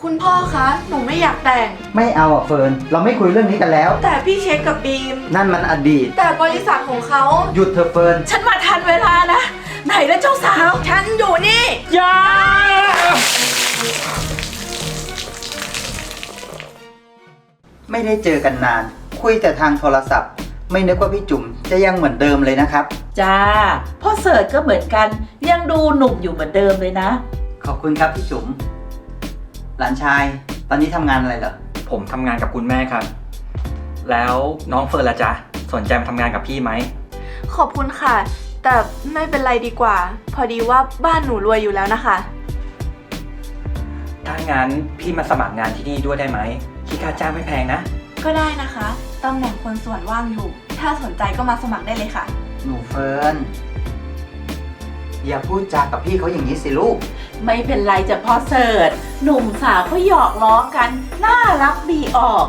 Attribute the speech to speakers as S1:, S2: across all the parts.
S1: คุณพ่อคะ หนูไม่อยากแต่ง
S2: ไม่เอาอ่ะเฟิร์น เราไม่คุยเรื่องนี้กันแล้ว
S1: แต่พี่เช็คกับบีม
S2: นั่นมันอดีต
S1: แต่บริษัทของเขา
S2: หยุดเถอะเฟิร์น
S1: ฉันมาทันเวลานะ ไหนแล้วเจ้าสาว ฉันอยู่นี่
S3: อย่า
S2: ไม่ได้เจอกันนาน คุยแต่ทางโทรศัพท์ ไม่นึกว่าพี่จุ๋มจะยังเหมือนเดิมเลยนะครับ
S4: จ้าพ่อเสิร์ชก็เหมือนกันยังดูหนุ่มอยู่เหมือนเดิมเลยนะ
S2: ขอบคุณครับพี่จุ๋ม หลานชาย ตอนนี้ทำงานอะไรเหรอ
S3: ผมทำงานกับคุณแม่ครับ แล้วน้องเฟิร์นล่ะจ๊ะ สนใจมาทำงานกับพี่ไหม
S1: ขอบคุณค่ะ แต่ไม่เป็นไรดีกว่า พอดีว่าบ้านหนูรวยอยู่แล้วนะคะ
S3: ถ้างั้นพี่มาสมัครงานที่นี่ด้วยได้ไหมคิดค่าจ้างไม่แพงนะ
S1: ก็ได้นะคะตำแหน่งคนส่วนว่างอยู่ ถ้าสนใจก็มาสมัครได้เลยค่ะ
S2: หนูเฟิร์น อย่าพูดจากับพี่เขาอย่างนี้สิลูก
S4: ไม่เป็นไรจ้ะพ่อเสิร์ชหนุ่มสาวเขาหยอกล้อกันน่ารักดีออก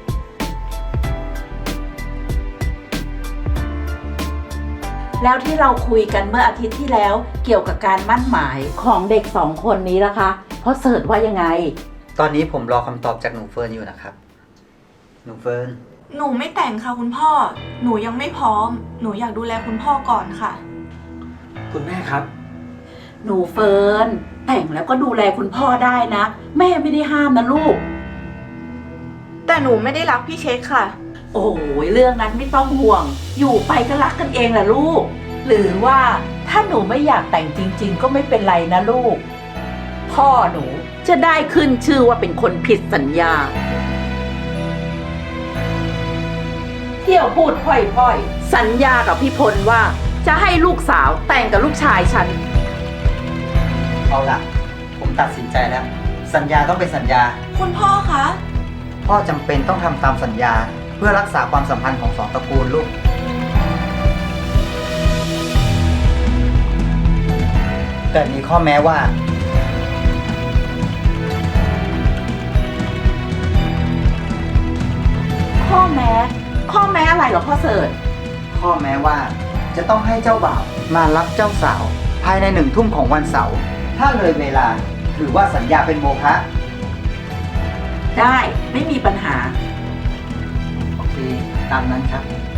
S4: แล้วที่เราคุยกันเมื่ออาทิตย์ที่แล้วเกี่ยวกับการมั่นหมายของเด็กสองคนนี้นะคะพ่อเสิร์ชว่ายังไง
S2: ตอนนี้ผมรอคำตอบจากหนูเฟิร์นอยู่นะครับ หนูเฟิร์น
S1: หนูไม่แต่งค่ะคุณพ่อ หนูยังไม่พร้อม หนูอยากดูแลคุณพ่อก่อนค่ะ
S3: คุณแม่ครับ
S4: หนูเฟิร์นแต่งแล้วก็ดูแลคุณพ่อได้นะ แม่ไม่ได้ห้ามนะลูก
S1: แต่หนูไม่ได้รักพี่เช็คค่ะ
S4: โอ้ยเรื่องนั้นไม่ต้องห่วง อยู่ไปก็รักกันเองแหละลูก หรือว่าถ้าหนูไม่อยากแต่งจริง ๆ ก็ไม่เป็นไรนะลูก พ่อหนูจะได้ขึ้นชื่อว่าเป็นคนผิดสัญญา เที่ยวพูดพ่อยๆ สัญญากับพี่พลว่าจะให้ลูกสาวแต่งกับลูกชายฉัน
S2: เอาล่ะ ผมตัดสินใจแล้ว สัญญาต้องเป็นสัญญา
S1: คุณพ่อคะ
S2: พ่อจำเป็นต้องทำตามสัญญา เพื่อรักษาความสัมพันธ์ของสองตระกูลลูก แต่มีข้อแม้ว่า
S4: ข้อแม้อะไรเหรอพ่อเสิร์ช
S2: ข้อแม้ว่าจะต้องให้เจ้าบ่าวมารับเจ้าสาว ภายใน1 ทุ่มของวันเสาร์ ถ้าเลยเวลาถือว่าสัญญาเป็นโมฆะ
S4: ได้ไม่มีปัญหา
S2: โอเค ตามนั้นครับ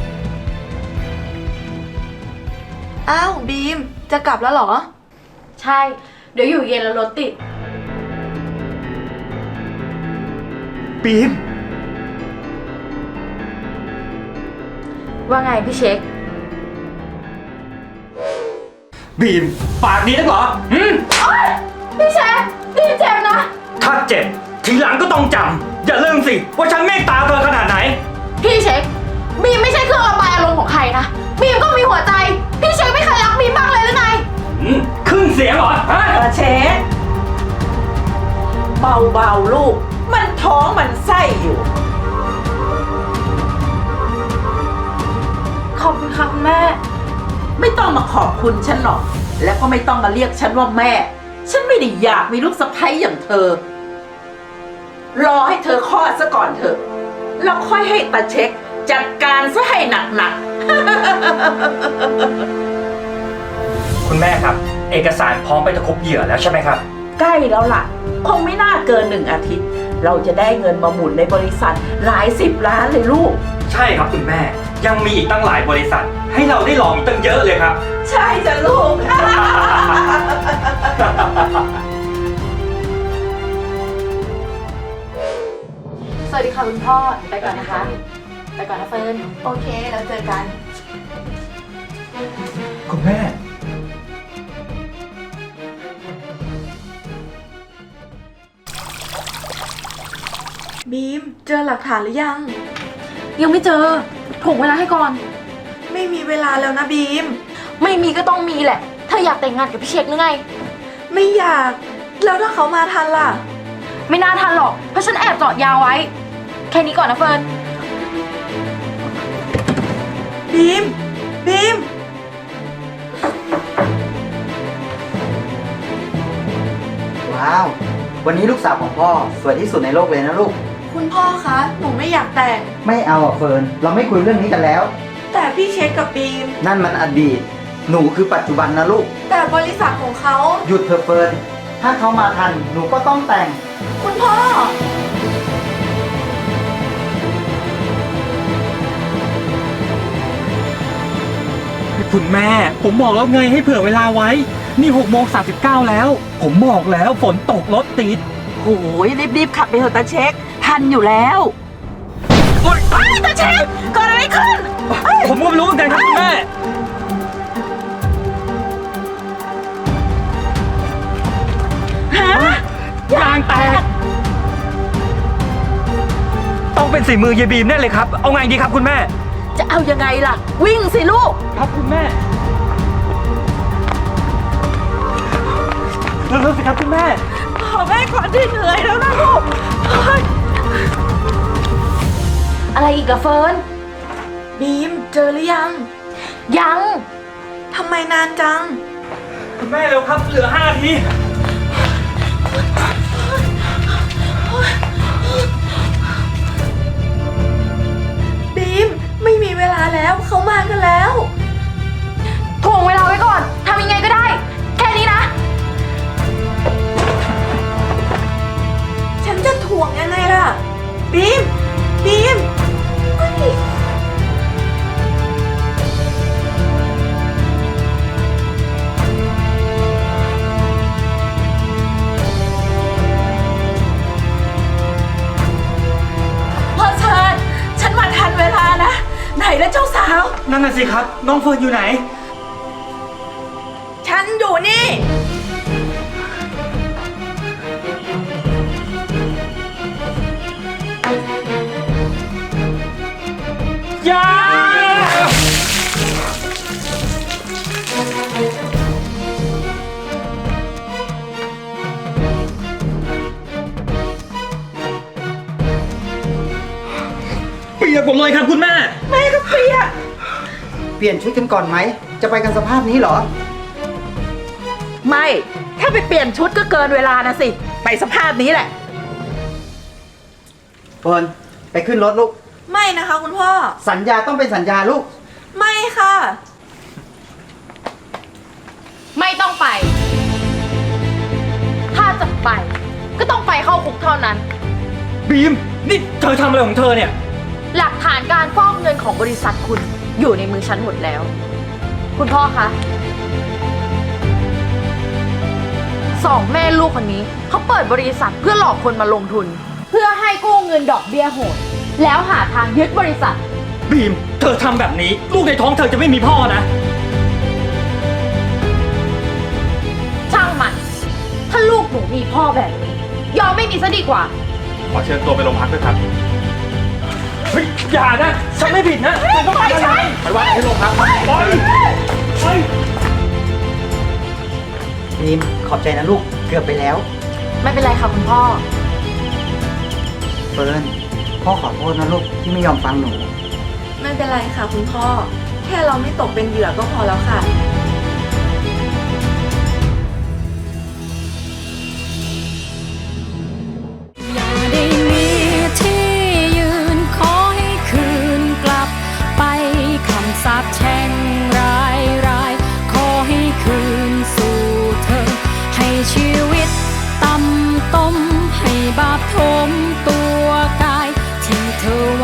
S1: อ้าวบีม จะกลับแล้วเหรอ
S5: ใช่ เดี๋ยวอยู่เย็นแล้วรถติด
S3: บีม
S5: ว่าไงพี่เช็ค
S3: บีม ปากดีนักเหรอ
S5: พี่เช็คพี่เจ็บนะ
S3: ถ้าเจ็บ ทีหลังก็ต้องจำ อย่าลืมสิว่าฉันเมตตาเธอขนาดไหน
S5: พี่เช็คบีมไม่ใช่เครื่องระบายอารมณ์ของใครนะบีมก็มีหัวใจ พี่เช็คไม่เคยรักบีมบ้างเลยหรือไง
S3: ขึ้นเสียงเหรอฮะ
S4: เชฟเบาๆลูก มันท้องมันไส้อยู่
S5: ขอบคุณค่ะคุณแม่
S4: ไม่ต้องมาขอบคุณฉันหรอก แล้วก็ไม่ต้องมาเรียกฉันว่าแม่ ฉันไม่ได้อยากมีลูกสะใภ้อย่างเธอ รอให้เธอคลอดซะก่อนเถอะ แล้วค่อยให้ตาเช็คจัดการซะให้หนัก
S3: คุณแม่ครับ เอกสารพร้อมไปตะครุบเหยื่อแล้วใช่ไหมครับ
S4: ๆ ใกล้แล้วล่ะ คงไม่น่าเกิน1 อาทิตย์ เราจะได้เงินมาหมุนในบริษัทหลาย10 ล้านเลยลูก
S3: ใช่ครับคุณแม่ ยังมีอีกตั้งหลายบริษัท ให้เราได้ลองอีกตั้งเยอะเลยครับ
S4: ใช่จ้ะลูก
S5: สวัสดีค่ะคุณพ่อ ไปก่อนนะคะ ไปก่อนนะเฟิร์น
S1: โอเค แล้วเจอกัน
S3: คุณแม่
S1: บีม เจอหลักฐานหรือยัง
S5: ยังไม่เจอถ่วงเวลาให้ก่อน
S1: ไม่มีเวลาแล้วนะบีม
S5: ไม่มีก็ต้องมีแหละ เธออยากแต่งงานกับพี่เช็คหรือไง
S1: ไม่อยาก แล้วถ้าเขามาทันล่ะ
S5: ไม่น่าทันหรอก เพราะฉันแอบจอดยาวไว้ แค่นี้ก่อนนะเฟิร์น
S1: บีม บีม
S2: ว้าว วันนี้ลูกสาวของพ่อสวยที่สุดในโลกเลยนะลูก
S1: คุณพ่อคะ หนูไม่อยากแต่ง
S2: ไม่เอาอ่ะเฟิร์น เราไม่คุยเรื่องนี้กันแล้ว
S1: แต่พี่เช็คกับบีม
S2: นั่นมันอดีต หนูคือปัจจุบันนะลูก
S1: แต่บริษัทของเขา
S2: หยุดเถอะเฟิร์น ถ้าเขามาทัน หนูก็ต้องแต่ง
S1: คุณพ่อ
S3: คุณแม่ ผมบอกแล้วไงให้เผื่อเวลาไว้ นี่6:39แล้ว ผมบอกแล้วฝนตกรถติด
S4: โอ้ยรีบๆขับไปเถอะตาเช็ค ทันอยู่แล้ว
S3: โอ๊ย
S4: ตาเช็คเกิดอะไรขึ้น
S3: ผมก็ไม่รู้เหมือนกันครับคุณแม่
S4: ฮะ
S3: ยางแตก ต้องเป็นฝีมือยายบีมแน่เลยครับ เอาไงดีครับคุณแม่
S4: จะเอายังไงล่ะ วิ่งสิลูก
S3: ครับคุณแม่เร็วๆสิครับคุณแม่
S4: ขอแม่ก่อนที่เหนื่อยแล้วนะลูกเฮ้ย
S5: อะไรอีกอะเฟิร์น
S1: บีมเจอหรือยัง
S5: ยัง
S1: ทำไมนานจัง
S3: คุณแม่เร็วครับ เหลือ5 นาที
S1: บีมไม่มีเวลาแล้วเขามากันแล้ว
S5: ถ่วงเวลาไว้ก่อน ทำยังไงก็ได้ แค่นี้นะ
S1: ฉันจะถ่วงยังไงล่ะ บีม บีมเฮ้ย
S4: พ่อเชิญฉันมาทันเวลานะ ไหนแล้วเจ้าสาว
S3: นั่นน่ะสิครับ น้องเฟิร์นอยู่ไหน
S1: ฉันอยู่นี่
S3: อย่า เปียกหมดเลยครับคุณแม่
S4: แม่ก็เปียก
S2: เปลี่ยนชุดกันก่อนไหม จะไปกันสภาพนี้เหรอ
S4: ไม่ ถ้าไปเปลี่ยนชุดก็เกินเวลานะสิ ไปสภาพนี้แหละ
S2: เฟิร์นไปขึ้นรถลูก
S1: ไม่นะคะคุณพ่อ
S2: สัญญาต้องเป็นสัญญาลูก
S1: ไม่ค่ะ
S5: ไม่ต้องไป ถ้าจะไป ก็ต้องไปเข้าคุกเท่านั้น
S3: บีม นี่เธอทำอะไรของเธอเนี่ย
S5: หลักฐานการฟอกเงินของบริษัทคุณอยู่ในมือฉันหมดแล้ว คุณพ่อคะสองแม่ลูกคนนี้เขาเปิดบริษัทเพื่อหลอกคนมาลงทุน เพื่อให้กู้เงินดอกเบี้ยโหดแล้วหาทางยึดบริษัท
S3: บีม เธอทำแบบนี้ ลูกในท้องเธอจะไม่มีพ่อนะ
S5: ช่างมัน ถ้าลูกหนูมีพ่อแบบนี้ ยอมไม่มีซะดีกว่า
S6: ขอเชิญตัวไปโรงพักด้วยครับ
S3: เฮ้ย อย่านะ ฉันไม่ผิดนะเธอต้องการอะไร
S6: ไปว่าที่โรงพักครับ
S3: ปล่อยปล่อย
S2: บีม ขอบใจนะลูก เกือบไปแล้ว
S5: ไม่เป็นไรค่ะคุณพ่อ
S2: เฟิร์น พ่อขอโทษนะลูกที่ไม่ยอมฟังหนู
S1: ไม่เป็นไรค่ะคุณพ่อ แค่เราไม่ตกเป็นเหยื่อก็พอแล้วค่ะ
S7: อย่าได้มีที่ยืนขอให้คืนกลับไปคำสาปแช่งร้ายขอให้คืนสู่เธอ ให้ชีวิตต่ำต้มให้บาปทมตัวกายที่เธอ